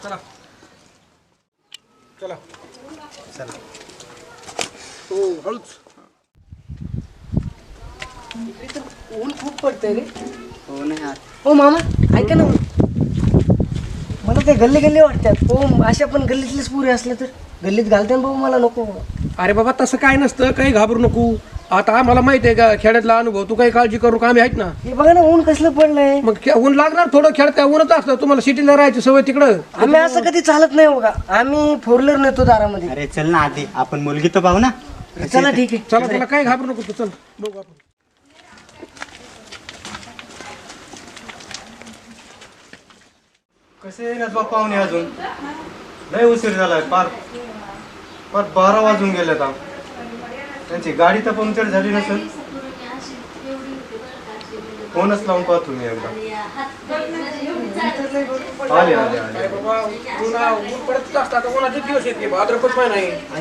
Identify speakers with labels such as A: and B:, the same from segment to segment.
A: चला चला
B: चला.
A: हो हळूच.
C: ऊन खूप पडतंय रे.
B: हो ना यार.
C: हो मामा ऐका ना, मला ते गल्ली गल्ली वाटतात. हो अशा पण गल्लीतलेच पुरे असले तर गल्लीत घालते ना भाऊ, मला नको.
A: अरे बाबा तसं काय नसतं, काही घाबरू नको. आता आम्हाला माहिती आहे का खेड्यातला अनुभव, तू काही काळजी करू का, आम्ही आहेत ना.
C: हे बघा ना ऊन कसलं पडलंय.
A: मग ऊन लागणार थोडं, खेळत ऊनच असतं. तुम्हाला सिटीला राहायची सवय तिकडं.
C: आम्ही असं कधी चालत नाही बघा, आम्ही फोर व्हीलर नेतो दारामध्ये.
B: अरे चल ना आधी आपण मुलगी तर पाहू ना.
C: चला ठीक आहे.
A: चला तुला काही घाबरू नको तू, चल बघू आपण.
D: कसे येणार बा पाहुणे अजून, लय उशीर झालाय. पार पार 12 वाजून गेले आता. त्यांची गाडी तर पंक्चर झाली नसेल. फोनच लावून पाहतो मी एकदा. आले आले आले.
A: अरे बाबा ऊन पडतच असतं. आता उन्हाचे दिवस येते, भाद्रपद महिना आहे.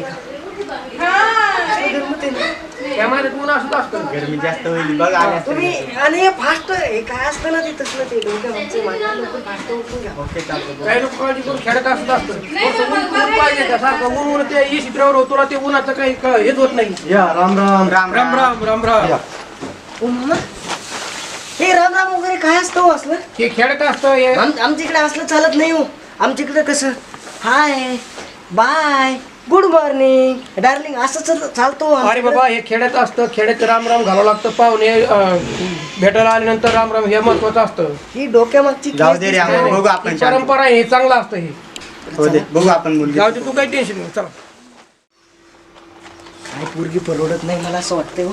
A: त्या महिन्यात ऊन असत असतं.
B: गरमी जास्त होईल बघ. आले
C: तुम्ही आणि फास्ट हे काय असतं ना, ते तसलं ते डोक्यावरचं माझ्या लोक फास्ट उठून घ्या.
B: ओके चालतं.
A: काही लोक काळजी करून खेळत असत असतं. ऊन पाहिजे का सारखं ऊन ते येशी ड्रायव्हर, तुला ते उन्हाचं काही हेच होत नाही.
D: या राम राम
B: राम
A: राम राम राम राम.
D: या.
C: हो मामा, हे राम राम वगैरे काय असतं हो असलं?
A: हे खेळत असतं हे.
C: आमच्या इकडे असलं चालत नाही हो. आमच्या इकडे कसं hi bye good morning darling असं चालतो.
A: अरे बाबा हे खेड्यात असतं. खेड्यात राम राम घालावं लागतं. पाहुणे भेटायला आल्यानंतर राम राम हे महत्वाचं असतं.
C: ही डोक्यामागची
B: जाऊ दे रे आम्हाला, बघू आपण
A: ही परंपरा आहे, हे चांगलं असतं. हे
B: हो दे बघू आपण मुलगी.
A: जाऊ दे, तू काही टेन्शन नाही. चला
C: काय पोरगी परवडत नाही मला असं वाटतंय हो.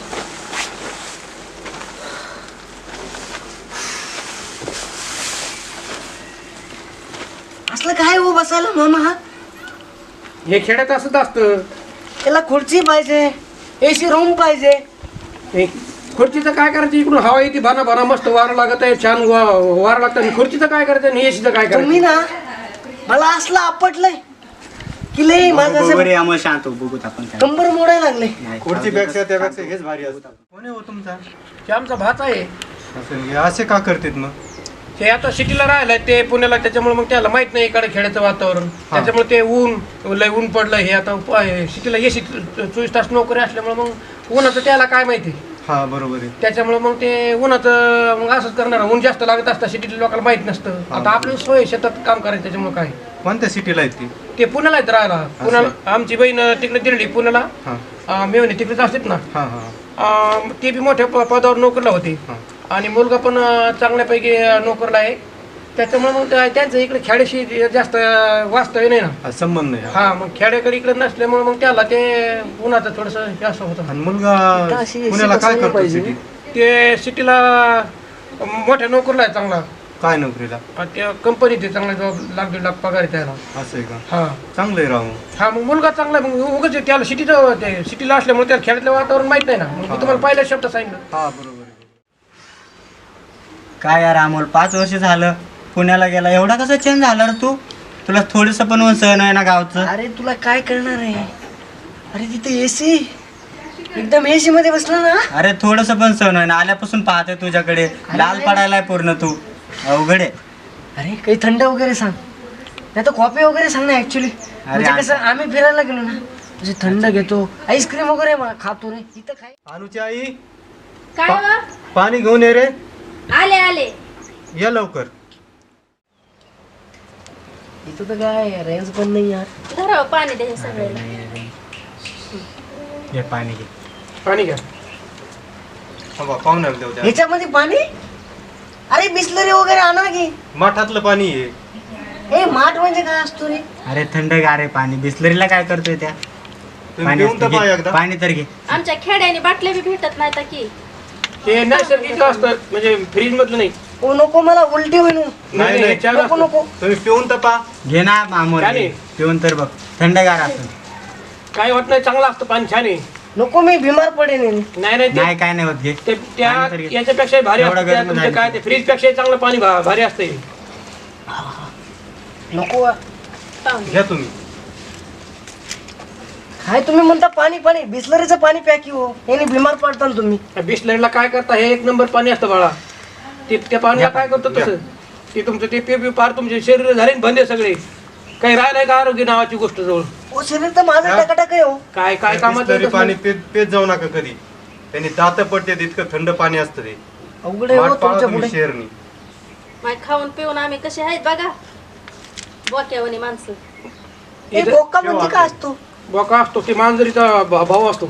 C: असलं काय हो बसायला मामा? हा
A: हे खेड्यात असंच असतं.
C: त्याला खुर्ची पाहिजे, एसी रूम पाहिजे.
A: हे खुर्चीचं काय करायचं, इकडून हवा येते भाना भाना, मस्त वारं लागत आहे, छान वारं लागतं. आणि खुर्चीचं काय करायचं आणि एसीचं काय
C: तुम्ही
A: करायचं?
C: ना मला असलं आपटलंय की लय माझं
B: बघू
C: असं
B: रे आम्हाला शांत हो, बघूत आपण काय.
C: कंबर मोडायला लागले.
B: नाही,
D: खुर्चीपेक्षा त्यापेक्षा हेच भारी असतं. कोणी हो तुमचा?
A: हे आमचा भाचा आहे.
D: असं हे असे का करतात मग?
A: ते आता सिटीला राहिलाय, ते पुण्याला, त्याच्यामुळे मग त्याला माहित नाही इकडे खेड्याचं वातावरण. त्याच्यामुळे ते लय ऊन पडलं. हे आता सिटीला एसी 24 तास नोकरी असल्यामुळे मग उन्हाचं त्याला काय माहिती.
D: हा बरोबर आहे.
A: त्याच्यामुळे मग ते उन्हाचं मग असंच करणार. ऊन जास्त लागत असतं, सिटीतल्या लोकांना माहित नसतं. आता आपली सोय शेतात काम करायचं, त्याच्यामुळे काय
D: कोणत्या सिटीला आहेत ती?
A: ते पुण्याला आहेत राहायला. पुण्याला आमची बहीण तिकडे दिली पुण्याला.
D: हा
A: मेवणी तिकडेच असतात ना.
D: हा हा
A: ते बी मोठ्या पदावर नोकरीला होते. आणि मुलगा पण चांगल्यापैकी नोकरीला आहे. त्याच्यामुळे मग त्यांचं इकडे खेड्याशी जास्त वास्तव्य नाही ना.
D: हा, संबंध नाही.
A: हा मग खेड्याकडे इकडे नसल्यामुळे मग त्याला ते उन्हाचं थोडंसं हे असं होतं.
D: आणि मुलगा
C: अशी
D: पुण्याला काय
C: बसायला
D: करतो
C: पाहिजे.
D: सिटीत?
A: ते सिटीला मोठ्या नोकरीला आहे चांगला.
D: काय नोकरीला?
A: त्या कंपनीत आहे, चांगला जॉब, लाख 1.5 लाख पगार आहे त्याला.
D: असं आहे का?
A: हा
D: चांगलं आहे राहू.
A: हा मग मुलगा चांगला आहे. मग उगाच त्याला सिटीला असल्यामुळे त्याला खेड्यातलं वातावरण माहित नाही ना. मग मी तुम्हाला पहिल्या शब्द सांगितलं.
D: हा बरोबर आहे.
B: काय यार अमोल, 5 वर्ष झालं पुण्याला गेला, एवढा कसा चेंज झाला रे तू? तुला थोडस पण सहन आहे ना गावचं?
C: अरे तुला काय करणार आहे? अरे तिथे एसी एकदम एसी मध्ये बसला ना.
B: अरे थोडस पण सहन आहे ना. आल्यापासून पाहतोय तुझ्याकडे, लाल पडायलाय पूर्ण तू. अवघड आहे.
C: अरे काही थंड वगैरे सांग, नाही तर कॉफी वगैरे सांग ना. ऍक्च्युली म्हणजे कसं आम्ही फिरायला गेलो ना, म्हणजे थंड घेतो, आईस्क्रीम वगैरे खातो रे. इथं काय
D: अनुची आई,
E: काय वा?
D: पाणी घेऊन ये रे.
E: आले आले.
D: या लवकर.
C: इथं तर काय रेंज पण नाही यार.
E: धराव पाणी द्या सगळ्याला.
B: घे पाणी घे.
A: पाणी घ्या.
D: पाहुण्याला देऊ द्या.
C: ह्याच्यामध्ये पाणी? अरे बिस्लरी वगैरे आणा की.
D: माठातलं पाणी आहे.
C: हे माठ म्हणजे काय असतो रे?
B: अरे थंडगार आहे पाणी. बिस्लरीला काय करतोय त्या?
D: तुम्ही
B: पाणी
D: पिऊन तर
B: असतं,
D: पहा
B: घे.
D: एकदा.
B: पाणी तर घे.
E: आमच्या खेड्याने बाटल्या बी भेटत नाही तर की.
A: ते नैसर्गिक असतं, म्हणजे फ्रीज मधलं नाही.
C: ओ नको, मला उलटी होईल.
A: नाही
D: नाही.
A: छान
C: नको
A: असतं.
C: नको.
D: तुम्ही पिऊन तर पहा.
B: घे ना अमोल,
A: काय
B: घे.
A: नाही?
B: पिऊन तर बघ, थंडगार असं.
A: काय होत नाही, चांगलं असतं पाणी, छान आहे.
C: नको, मी बिमार पडेन.
A: नाही नाही
B: नाही काय नाही होत, घे.
A: ते त्या
B: पाणी तर घे.
A: याच्यापेक्षा भारी
B: एवढं
A: असतं. त्या
B: गरम
A: तुमचं
B: झालं.
A: काय ते फ्रीज पेक्षा चांगलं पाणी भारी असते.
C: नको.
D: घ्या तुम्ही.
C: काय तुम्ही म्हणता पाणी पाणी? बिस्लरीचं पाणी प्या की हो. याने बिमार पडता ना तुम्ही.
A: बिस्लरीला काय करता, हे 1 नंबर पाणी असतं बाळा. ते त्या पाण्याला काय करतो तसं, ते तुमचं ते पे पार तुमचे शरीर झाले ना बंदे सगळे. काही राहिलंय का आरोग्य नावाची गोष्ट जवळ?
C: ओ शरीर तर माझं टकाटक आहे हो.
A: काय काय कामात
D: तरी
A: येतच
D: पाणी
A: नाही.
D: पेत जाऊ नका कधी. त्यांनी दात पडते इतकं थंड पाणी असतं ते.
C: अवघड आहे हो
D: माठ पाळा
C: तुमच्या
D: तुम्ही
C: पुढे.
D: शेरनी.
E: माय खाऊन पिऊन आम्ही कसे आहेत बघा, बोक्यावानी माणसं.
C: ए बोका म्हणजे काय असतो?
A: बोका असतो की मांजरीचा भाऊ असतो.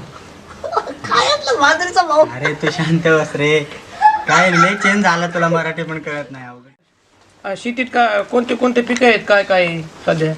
C: काय असलं मांजरीचा भाऊ?
B: अरे तू शांत बस रे. काय लय चेंज झाला, तुला मराठी पण कळत नाही. अवघड.
A: शेतीत का कोणते कोणते पिकं आहेत काय काय आहे सध्या?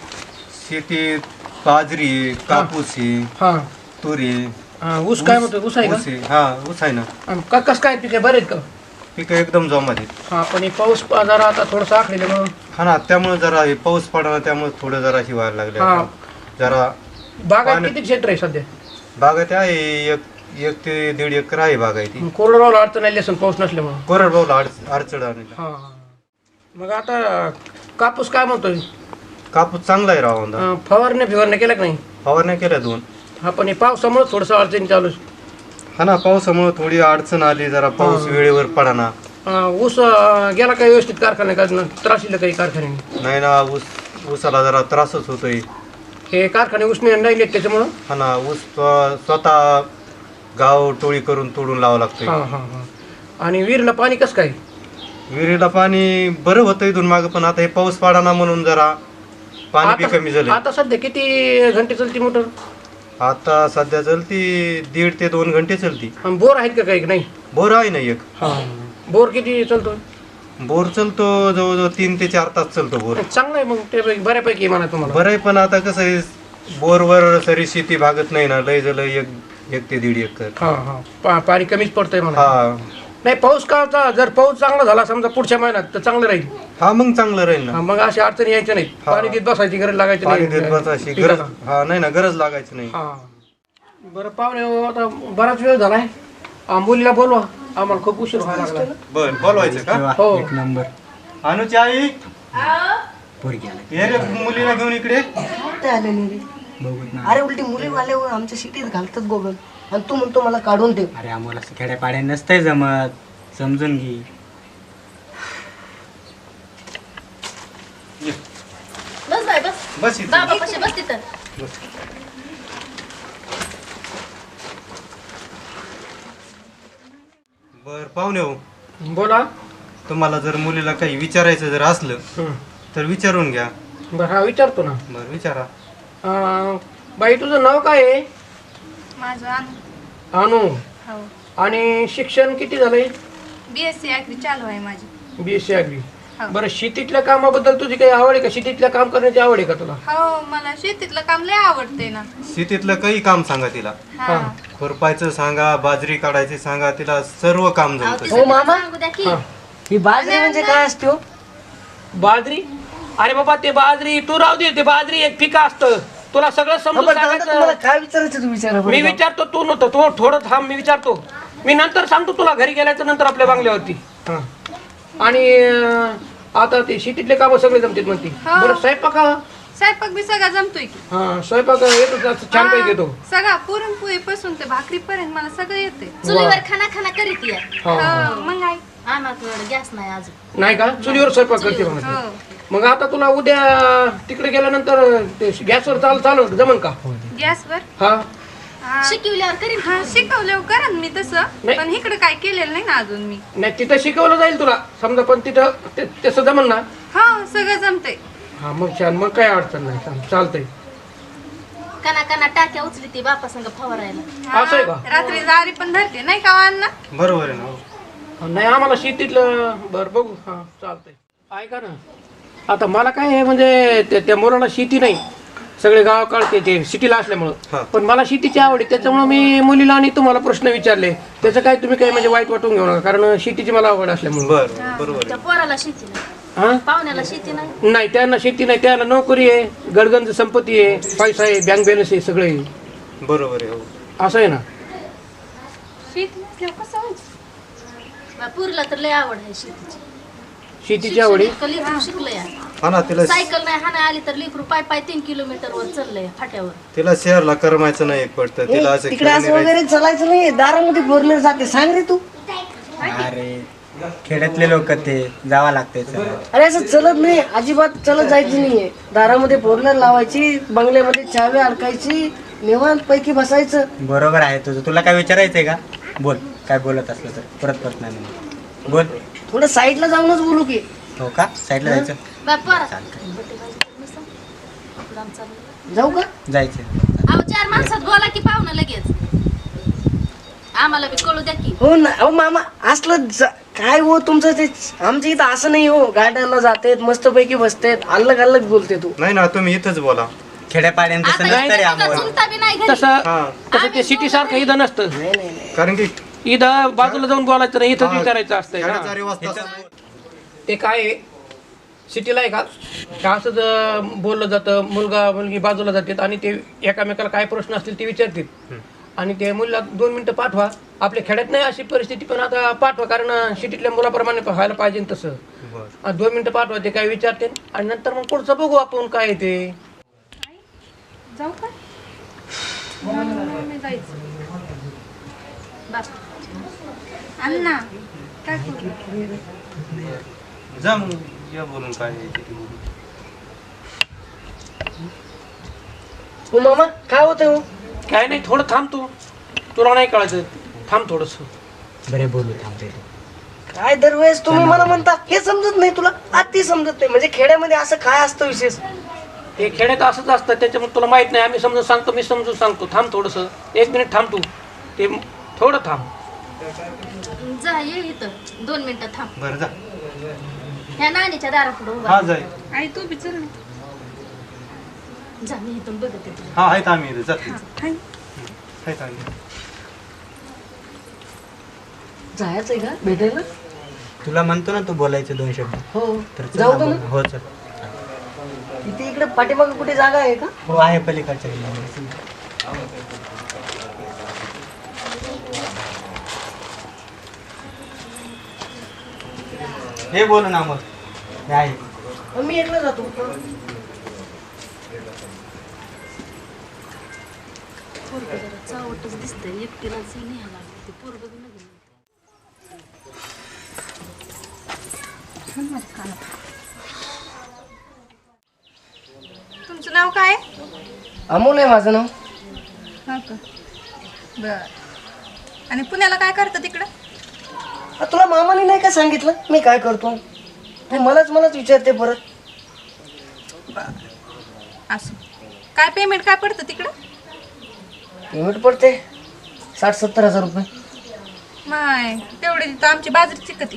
D: शेतीत बाजरी आहे, कापूस आहे,
A: हा
D: तुरी आहे,
A: हा, ऊस काय म्हणतो? ऊस आहे का?
D: ऊस आहे. हा ऊस आहे ना.
A: आणि कसं काय पिकं बरे आहेत का?
D: पिकं एकदम जोमात आहेत.
A: हा पण हे पाऊस जरा आता थोडंसं आखलेलं
D: हा ना, त्यामुळे जरा हे पाऊस पडला त्यामुळे थोडं जरा व्हायला लागले.
A: हा.
D: जरा
A: बागायत
D: पाणी-
A: किती क्षेत्र आहे सध्या?
D: बागायती आहे 1 ते 1.5 एकर आहे बागायती.
A: कोरडवाला अडचण आली असेल पाऊस नसल्यामुळे.
D: कोरडवाहूला अडचण आली.
A: हा मग आता कापूस काय म्हणतोय?
D: कापूस चांगला आहे राव.
A: फवारण्या केल्या का नाही?
D: फवारण्या केल्या 2.
A: हा पण हे पावसामुळे थोडंसं अडचणी चालू आहे.
D: हा ना, पावसामुळे थोडी अडचण आली. जरा पाऊस वेळेवर पडाना.
A: ऊस गेला काही व्यवस्थित कारखान्या का त्रासीला काही कारखान्याने?
D: नाही ना, ऊसाला जरा त्रासच होतोय.
A: हे कारखाने उसने नाही येत त्याच्यामुळं.
D: हा ना, ऊस स्वतः गाव टोळी करून तोडून लावावं लागतंय.
A: हा हा हा. आणि विहिरीला पाणी कसं काय?
D: विहिरीला पाणी बरं होतं इथून मागं, पण आता हे पाऊस पडाना म्हणून जरा पाणी बी कमी झालं.
A: आता सध्या किती घंटे चालती मोटर?
D: आता सध्या चलती 1.5 ते 2 घंटे चलती.
A: आणि बोर आहेत का काही? नाही.
D: बोर आहे ना एक.
A: हा बोर किती चालतो?
D: बोर चलतो जवळजवळ 3 ते 4 तास चलतो बोर.
A: चांगलं आहे मग ते बऱ्यापैकी आहे म्हणा तुम्हाला.
D: बरं आहे, पण आता कसं आहे बोरवर सरी शेती भागत नाही ना. लय झालं 1 ते 1.5 एकर.
A: हा हा पाणी कमीच पडतंय म्हणा.
D: हा
A: नाही पाऊस का जर पाऊस चांगला झाला समजा पुढच्या महिन्यात तर चांगलं राहील.
D: हा मग चांगलं राहील ना.
A: हा, मग अशी अडचणी यायच्या नाही.
D: हा.
A: पाणी देत बसायची गरज लागायची
D: पाणी
A: नाही.
D: देत बसायची गरज. हा नाही ना, गरज लागायची नाही.
A: हा बरं पाहुणे आता बराच वेळ झालाय. मुलीला बोलवा, आम्हाला खूप उशीर व्हायला लागला.
D: बर बोलवायचं का?
B: तेव्हा
A: हो.
B: 1 नंबर.
D: अनुची आई
B: पोरगी आली.
D: ये रे मुलीला घेऊन इकडे.
C: कुठे आले नाही रे?
B: बघूत ना.
C: अरे उलटी मुली वाल्यावर आमच्या सिटीत घालतात गोगल, आणि तू म्हणतो मला काढून ठेव.
B: अरे आम्हाला असं खेड्यापाड्या नसतंय जमत, समजून घे.
E: बस बाय बस,
D: बस इथं.
E: बाबा कसे बस तिथं.
D: बर पाहुणे हो,
A: बोला.
D: तुम्हाला जर मुलीला काही विचारायचं जर असलं
A: हं.
D: तर विचारून घ्या.
A: बरं हा विचारतो ना.
D: बर विचारा.
A: बाई तुझं नाव काय आहे?
F: माझं
A: अनु.
F: हो
A: आणि शिक्षण किती झालंय?
F: BSc ॲग्री चालू आहे माझी.
A: BSc agri.
F: हो.
A: बरं शेतीतल्या कामाबद्दल तुझी काही आवड आहे का? शेतीतल्या काम करण्याची आवड आहे का तुला?
F: हो मला शेतीतलं काम लय आवडते ना.
D: शेतीतलं काही काम सांगा तिला.
F: हा
D: खुरपायचं सांगा, बाजरी काढायची सांगा, तिला सर्व काम
E: अहो,
D: जमतं.
E: तिचं
C: हो, मामा.
E: सांगू द्या की.
A: हा.
C: ही बाजरी म्हणजे काय असते हो?
A: बाजरी? अरे बाबा ते बाजरी तू राहू दे. ते बाजरी एक पिका असतं. तुला सगळं समजून
C: आपण दादा, तुम्हाला
A: सांगायचं.
C: काय विचारायचं तू विचारा बरं.
A: मी विचारतो, तू नव्हतं. तू थोडं थांब, मी विचारतो. मी नंतर सांगतो तुला घरी गेल्याच्या नंतर आपल्या बांगल्यावरती. हा. आणि आता ते शेतीतले काम सगळे जमतात म्हणते.
F: हो.
A: बरं स्वयंपाक?
F: स्वयंपाक बी सगळा जमतोय की.
A: हा स्वयंपाक येतो छान पैकी येतो.
F: सगळा पुरणपोळी पासून ते भाकरी पर्यंत मला सगळं येते.
E: चुलीवर खाना खाना करीत या.
A: हा.
F: मग आहे.
E: आम्हाला गॅस नाही अजून.
A: नाही का? चुलीवर स्वयंपाक करते
F: हो
A: म्हणते. मग आता तुला उद्या तिकडे गेल्यानंतर ते गॅसवर चालू जमन का?
F: गॅसवर
A: हा
E: शिकवल्यावर करीन.
F: हा शिकवल्यावर करा मी तसं,
A: नाही.
F: पण इकडे काय केलेलं नाही ना अजून मी.
A: नाही तिथं शिकवलं जाईल तुला समजा, पण तिथं तसं जमन ना?
F: हा सगळं जमतंय.
A: हा मग छान, मग काय अडचण नाही. चालतंय.
E: कना कना टाक्या उचली ती बापा संग फवारायला.
F: हा,
A: असं आहे का?
F: रात्री जारी पण धरते नाही का अण्णा?
D: बरोबर आहे ना.
A: नाही आम्हाला शेतीतलं बरं बघू. हा चालतंय. ऐका ना, आता मला काय आहे म्हणजे त्या मुलाला शेती नाही, सगळे गाव काढते ते सिटीला
D: हा.
A: असल्यामुळं. पण मला शेतीची आवड आहे, त्याच्यामुळं मी मुलीला आणि तुम्हाला प्रश्न विचारले. त्याचं काय तुम्ही काही म्हणजे वाईट वाटून घेऊ नका, कारण शेतीची मला आवड असल्यामुळं.
D: बर बरोबर
E: त्या
D: आहे.
E: पोराला शेती नाही,
A: हा
E: पाहुण्याला शेती नाही.
A: नाही, त्यांना शेती नाही, त्यांना नोकरी आहे, गडगंज संपत्ती आहे, पैसा आहे, बँक बॅलन्स आहे, सगळे
D: बरोबर आहे. हो.
A: असं आहे ना.
F: शेती नसल्यावर कसं व्हायचं?
E: पुरीला तर लय आवड आहे शेतीची.
A: शेतीची आवड आहे.
E: शिक्षण इतकं लेकरू शिकलंय.
D: हा ना, तिला
E: सायकल नाही हाना आली तर लेकरू पाय 3 किलोमीटर वर चाललंय फाट्यावर.
D: तिला शहरला करमायचं नाही पडतं. तिला असं
C: तिकडे असं
D: खेळणी
C: वगैरे चालायचं नाही, दारामध्ये बोरलेर जाते. सांग रे तू.
B: अरे खेड्यातले लोक ते जावं लागते
C: अरे असं चलत नाही, अजिबात चलत जायचं नाहीये. दारामध्ये फोरलर लावायची, बंगल्यामध्ये चावी अडकायची, निवांत पैकी बसायचं.
B: बरोबर आहे तुझं. तुला काय विचारायचंय का? बोल, काय बोलत असलं तर परत परत नाही बोल.
C: थोडं साईडला जाऊनच बोलू की.
B: हो का? साईडला जायचं?
C: जाऊ का?
B: जायचं.
E: अहो 4 माणसात बोला की पाहुणं लगेच. आम्हाला बी कळू द्या की.
C: हो ना. अहो मामा असलं काय हो तुमचं ते, आमच्या इथं असं नाही हो. गार्डनला जातेत, मस्तपैकी बसतेत, अलग अलग बोलते तू.
D: नाही ना, तुम्ही इथंच बोला.
B: खेड्यापाड्यांचं
E: आता
B: नसतं रे
E: इथं
B: आम्हाला.
E: चुलता बी नाही घरी.
A: तसं ते सिटी सारखं इथं नसतं.
C: नाही नाही नाही.
D: कारण की
A: इथं बाजूला जाऊन बोलायचं नाही, इथंच विचारायचं असतंय ना.
D: खेड्याचा रिवाज तसा.
A: ते काय आहे, सिटीला आहे का असंच बोललं जातं, मुलगा मुलगी बाजूला जातात आणि ते एकामेकाला काय प्रश्न असतील ते विचारतात आणि ते मुलीला 2 मिनिटं पाठवा. आपल्या खेड्यात नाही अशी परिस्थिती, पण आता पाठवा, कारण सिटीतल्या मुलाप्रमाणे व्हायला पाहिजे तसं. 2 मिनिटं पाठवा, ते काय विचारते आणि नंतर मग पुढचं बघू आपण काय आहे ते.
F: जाऊ का? मी जायचं. अण्णा काय करू?
D: जा मग, या बोलून काय आहे ते बोलू.
C: हो मामा काय होतंय हो?
A: काय नाही, थोडं थांब तू, तुला नाही कळायचं, थांब थोडस.
B: बरे बोलू थांबते.
C: काय दरवेळेस तुम्ही मला म्हणता हे समजत नाही तुला, ती समजत नाही. म्हणजे खेड्यामध्ये असं काय असतं विशेष?
A: ते खेड्यात असंच असतं, त्याच्यामुळे तुला माहित नाही. आम्ही समजून सांगतो, मी समजून सांगतो. थांब थोडस, 1 मिनिट थांब तू, ते थोडं थांब.
E: जा ये इथं 2 मिनिटं थांब.
D: बरं जा.
E: ह्या नानीच्या दारापुढे उभा.
D: हा जाय.
F: आई तू बी चल ना.
E: जा, मी इथून बघते तुला.
D: हा आहेत आम्ही इथे. जाते.
F: हाय.
D: आहेत आम्ही.
C: जायचंय का भेटायला?
B: तुला म्हणतो ना तू बोलायचे 2 शब्द.
C: हो
B: तर चल
C: जाऊ
B: ना
C: का
B: बोल.
C: मग?
B: हो चल.
C: इथे इकडे पाठीमागे कुठे जागा आहे का?
B: हो आहे पलीकडच्या गल्लीमध्ये. हे बोल ना मग. हे आहे.
C: मग मी एकला जातो.
E: पोरगं जरा चावटच दिसतंय, एकटीलाच न्यायला लागलं. ते पोरगं बी नवीन.
F: तुमचं नाव काय?
C: अमोल आहे माझं नाव.
F: हा का? बर. आणि पुण्याला काय करतं तिकडं?
C: तुला मामाने नाही का सांगितलं मी काय करतो? तू मलाच विचारते परत.
F: असं काय पेमेंट काय पडतं तिकडं?
C: पेमेंट पडते 60-70 हजार रुपये.
F: माय तेवढी तिथं आमची बाजरीची कधी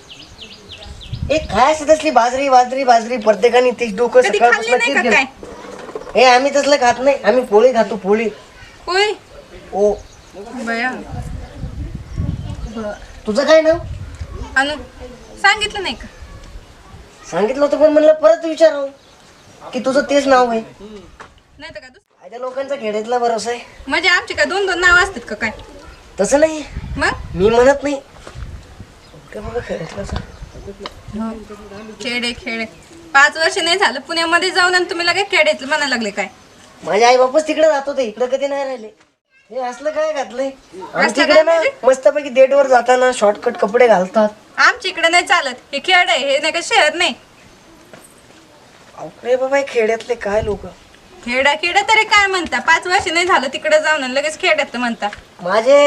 C: एक काय असं तसली बाजरी प्रत्येकाने तीच डोकं
F: कधी खाल्ली
C: सकाळपासून
F: नाही का
C: किरकिर.
F: काय?
C: हे आम्ही तसलं खात नाही, आम्ही पोळी खातो पोळी.
F: होय.
C: ओ
F: बया. बर.
C: तुझं काय नाव?
F: अनु सांगितलं नाही का?
C: सांगितलं होतं पण म्हणलं परत विचारावं की तुझं तेच नाव आहे.
F: नाही तर का
C: माझ्या लोकांचा खेड्यातला भरोसा आहे.
F: म्हणजे आमची काय 2-2 नाव असतात का काय?
C: तसं नाही,
F: मग
C: मी म्हणत नाही. काय बघा खेड्यातलं
F: खेडे 5 वर्ष नाही झालं पुण्यामध्ये जाऊन आणि तुम्ही लगेच खेड्यातलं म्हणायला लागले काय?
C: माझे आई बापच तिकडे जात होते, इकडे कधी नाही राहिले. हे असलं काय घातलंय
F: असलं
C: तिकडे
F: काय
C: ना
F: म्हणजे?
C: मस्तपैकी डेटवर जाताना शॉर्टकट कपडे घालतात.
F: आमच्या इकडे नाही चालत. हे खेड आहे, हे नाही का शहर नाही.
C: अरे बाबा हे खेड्यातले काय लोक.
F: खेडा तरी काय म्हणता? 5 वर्ष नाही झालं तिकडे जाऊन आणि लगेच खेड्यात म्हणता.
C: माझे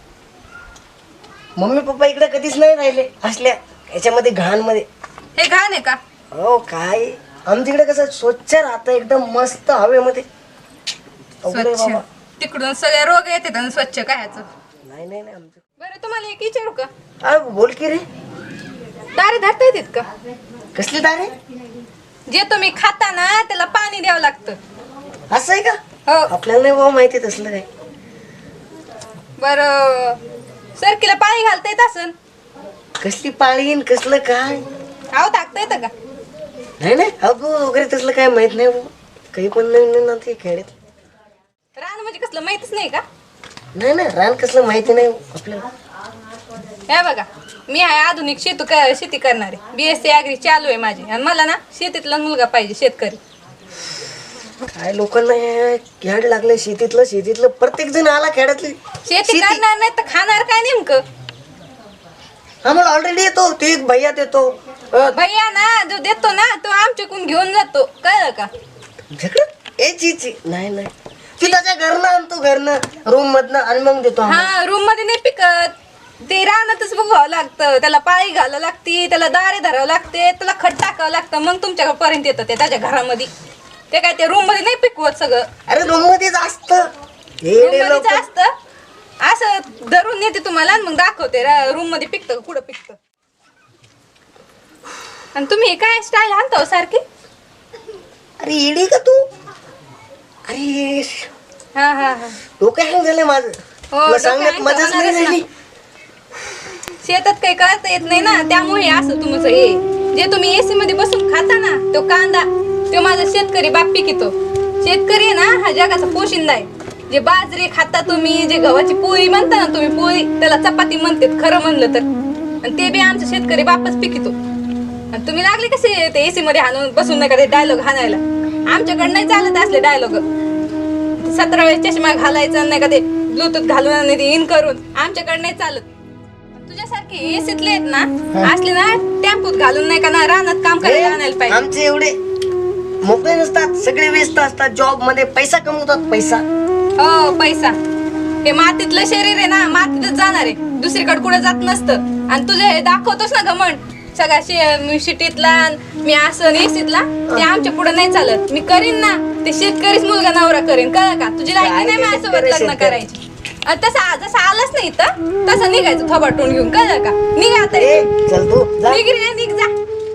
C: मम्मी पप्पा इकडे कधीच नाही राहिले असल्या याच्यामध्ये घाण मध्ये.
F: हे घाण आहे का?
C: हो काय आमच्याकडे कसं स्वच्छ राहतं एकदम मस्त हवेमध्ये. अवघड आहे
F: स्वच्छ.
C: बाबा.
F: तिकडून सगळे रोग येतात आणि स्वच्छ काय ह्याचं?
C: नाही आमचं.
F: बरं तुम्हाला एक विचारू का?
C: बोल की रे.
F: दारे धरता येतात का?
C: कसली दारे?
F: जे तुम्ही खाता ना त्याला पाणी द्यावं लागतं.
C: असं आहे का?
F: हो.
C: आपल्याला नाही बाबा माहिती तसलं काय.
F: बर सरकीला पाणी घालता येत असन?
C: कसली पाळीन कसलं काय?
F: आव टाकता येतं का?
C: नाही अगो वगैरे तसलं काय माहित नाही बाबा. काही पण नवीन ना ते खेड्यात.
F: रान म्हणजे कसलं माहितीच नाही का?
C: नाही रान कसलं माहिती नाही आपल्याला.
F: हे बघा मी आहे आधुनिक शेती करणारे. BSc ॲग्री चालू आहे माझी आणि मला ना शेतीतला मुलगा पाहिजे शेतकरी.
C: काय लोकांना खेड लागले शेतीतलं प्रत्येक जण आला खेड्यातली
F: शेती करणार नाही तर खाणार काय नेमकं?
C: आम्हाला ऑलरेडी येतो ते एक भैया देतो
F: भैया ना जो देतो ना तो आमच्याकडून घेऊन जातो कळलं का?
C: नाही नाही ती त्याच्या घरनं आणतो घरनं रूम मधनं आणि मग देतो आम्हाला.
F: हा रूम मध्ये नाही पिकत ते रानातच बघावं लागतं त्याला पाळी घालावं लागते त्याला दारे धरावं लागते त्याला खत टाकावं लागतं मग तुमच्या पर्यंत येतं ते त्याच्या घरामध्ये ते काय ते रूम मध्ये नाही पिकवत सगळं
C: अरे रूम मध्येच असतं
F: रूम मध्येच असतं असं धरून नेते तुम्हाला आणि मग दाखवते रूम मध्ये पिकतं का कुठं पिकतं. आणि तुम्ही काय स्टाईल आणता हो सारखी?
C: अरे येडी का तू? अरे
F: हा हा हा
C: डोकं हँग झालंय माझं
F: हो,
C: तुला
F: डोकं
C: सांगण्यात
F: hang
C: मजाच नाही
F: होणारच
C: झाली.
F: शेतात काही करता येत नाही ना त्यामुळे हे असं तुमचं हे जे तुम्ही एसी मध्ये बसून खाता ना तो कांदा तो माझा शेतकरी बाप पिकितो. शेतकरी आहे ना हा जगाचा पोशिंदा आहे. जे बाजरी खाता तुम्ही जे गव्हाची पोळी म्हणता ना तुम्ही पोळी त्याला चपाती म्हणतात खरं म्हणलं तर आणि ते बी आमचा शेतकरी बापच पिकितो. आणि तुम्ही लागले कसे ते एसी मध्ये हाणून बसून नाही का ते डायलॉग हाणायला आमच्याकडे नाही चालत असले डायलॉग 17 वेळेस चष्मा घालायचा नाही का ते ब्लूटूथ घालून आणि ते इन करून आमच्याकडे नाही चालत. तुझ्यासारखे एसीतले आहेत ना असले ना टेम्पोत घालून नाही का ना रानात काम करायला आणायला पाहिजे.
C: आमचे एवढे मोकळे नसतात सगळे व्यस्त असतात जॉब मध्ये पैसा कमवतात पैसा.
F: हो पैसा हे मातीतलं शरीर आहे ना मातीतच जाणार आहे दुसरीकडे कुठे जात नसतं. आणि तुझे हे दाखवतोस ना घमंड सगळ्या सिटीतला मी असं एसीतला ते आमच्या पुढे नाही चालत. मी करीन ना ते शेतकरीच मुलगा नवरा करेन कळलं का? तुझी लायकी नाही माझ्यासोबत लग्न करायची. जसं आलंच नाही तर तसं निघायचं थोबाटून घेऊन कळलं का? निघा आता
C: चल तू जा.
F: निघ रे निघ जा.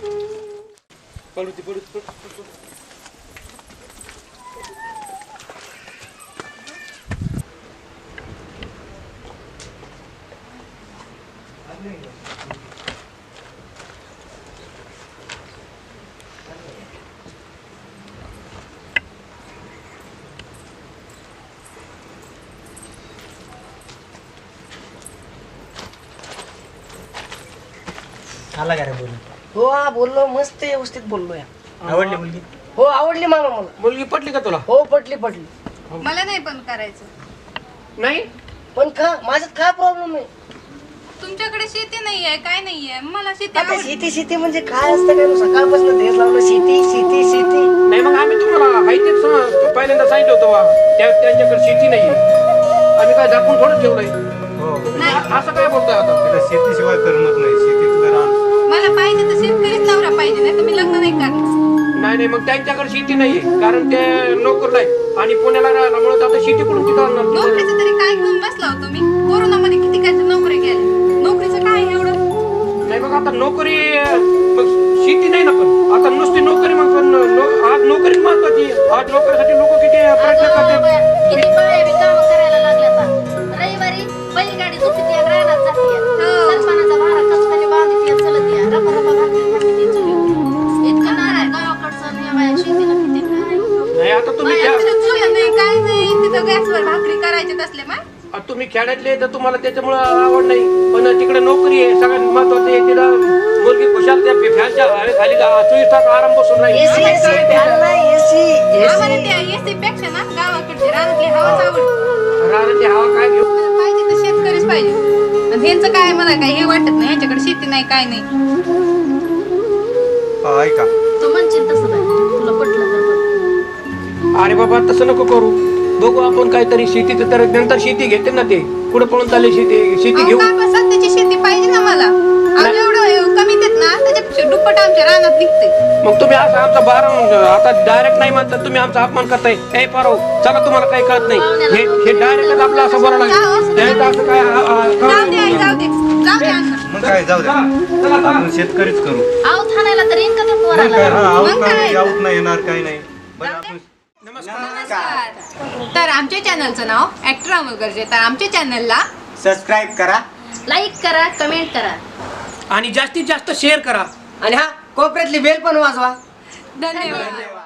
B: आला का रे बोलून?
C: हो हा बोललो मस्त व्यवस्थित बोललो या.
B: आवडली मुलगी?
C: हो आवडली मामा मला.
A: मुलगी पटली का तुला?
C: हो पटली पटली.
F: मला नाही पण करायचं.
A: नाही
C: पण माझ्यात काय प्रॉब्लेम आहे?
F: तुमच्याकडे शेती नाहीये काय नाहीये मला शेती
C: आता
F: आवडते.
C: शेती म्हणजे काय असतं काय सकाळपासून तेच लावलं शेती.
A: नाही मग आम्ही तुम्हाला माहितीच पहिल्यांदा सांगितलं होतं बा त्यांच्याकडे शेती नाहीये. आम्ही काय दाखवून थोडं ठेवलंय.
D: हो
A: असं काय बोलतोय आता?
D: त्याला शेतीशिवाय करमत नाही शेतीतलं रान.
F: मला पाहिजे तर शेतकरीच नवरा पाहिजे नाही तर मी लग्न नाही करणार.
A: नाही मग त्यांच्याकडे शेती नाहीये कारण ते नोकर नाही आणि पुण्याला राहिल्यामुळे आता शेती कुठून तिथं आणणार?
F: नोकरीचं तरी काय घेऊन बसला होतो मी कोरोनामध्ये किती काय नोकरी केल्या नोकरीचं काय एवढं.
A: नाही मग आता नोकरी मग शेती नाही ना पण आता नुसती नोकरी मग पण आज नोकरी महत्वाची. आज नोकरीसाठी लोक किती प्रयत्न करतात.
E: किती बाया बी कामं करायला लागल्या आता. रविवारी बैलगाडी दुखते रानात जाते सरपणाचा भारा कचकाने बांधते चलत या रपा भाकरी खाते चुलीवर इतकं नाराय गावाकडचं आणि या बाया शेतीला किती काय.
A: नाही आता तुम्ही
F: आमच्याकडे चुलं नाही काय नाही तिथं गॅसवर भाकरी करायचे असले मग
A: तुम्ही खेड्यातले तर तुम्हाला त्याच्यामुळे आवड नाही पण तिकडे नोकरी आहे सगळ्यात महत्वाचं आहे. तिथं मुलगी खुशाल त्या फॅनच्या खाली 24 तास आराम बसून नाही.
F: आम्हाला त्या एसी पेक्षा ना गावाकडची रानातली हवाच आवडते.
A: रानातली हवा काय घेऊ?
F: मला पाहिजे तर शेतकरीच पाहिजे आणि ह्यांचं काय मला काय हे वाटत नाही ह्यांच्याकडे शेती नाही काय नाही.
D: ऐका
E: तू म्हणशील तसं नाही तुला पटलं तर बघ.
A: अरे बाबा तसं नको करू. बघू आपण काहीतरी शेतीचं तर नंतर शेती घेते ना ते कुठे पळून चालले शेती घेऊ.
F: सध्याची शेती पाहिजे ना मला आम्ही एवढं कमी देत ना त्याच्यापेक्षा दुप्पट आमच्या रानात निघते.
A: मग तुम्ही असं आमचा आता डायरेक्ट नाही म्हणतात तुम्ही आमचा अपमान करताय. ए पारो चला तुम्हाला काही कळत नाही हे डायरेक्टच आपलं असं बोलायला लागेल. असं काय
F: जाऊ दे आई, जाऊ दे अण्णा.
D: मग काय जाऊ द्या आपण शेतकरीच करू.
E: आऊ थानायला तर येईन का ते
D: मग
E: पोराला.
D: काय
F: मग काय?
D: आऊत नाही येणार काही नाही बरं आपण
F: तर आमच्या चॅनलचं नाव ऍक्टर अमोल गरजे. तर आमच्या चॅनलला
B: सबस्क्राईब करा
E: लाईक करा कमेंट करा
A: आणि जास्तीत जास्त शेअर करा.
C: आणि हा कोपऱ्यातली बेल पण वाजवा.
F: धन्यवाद.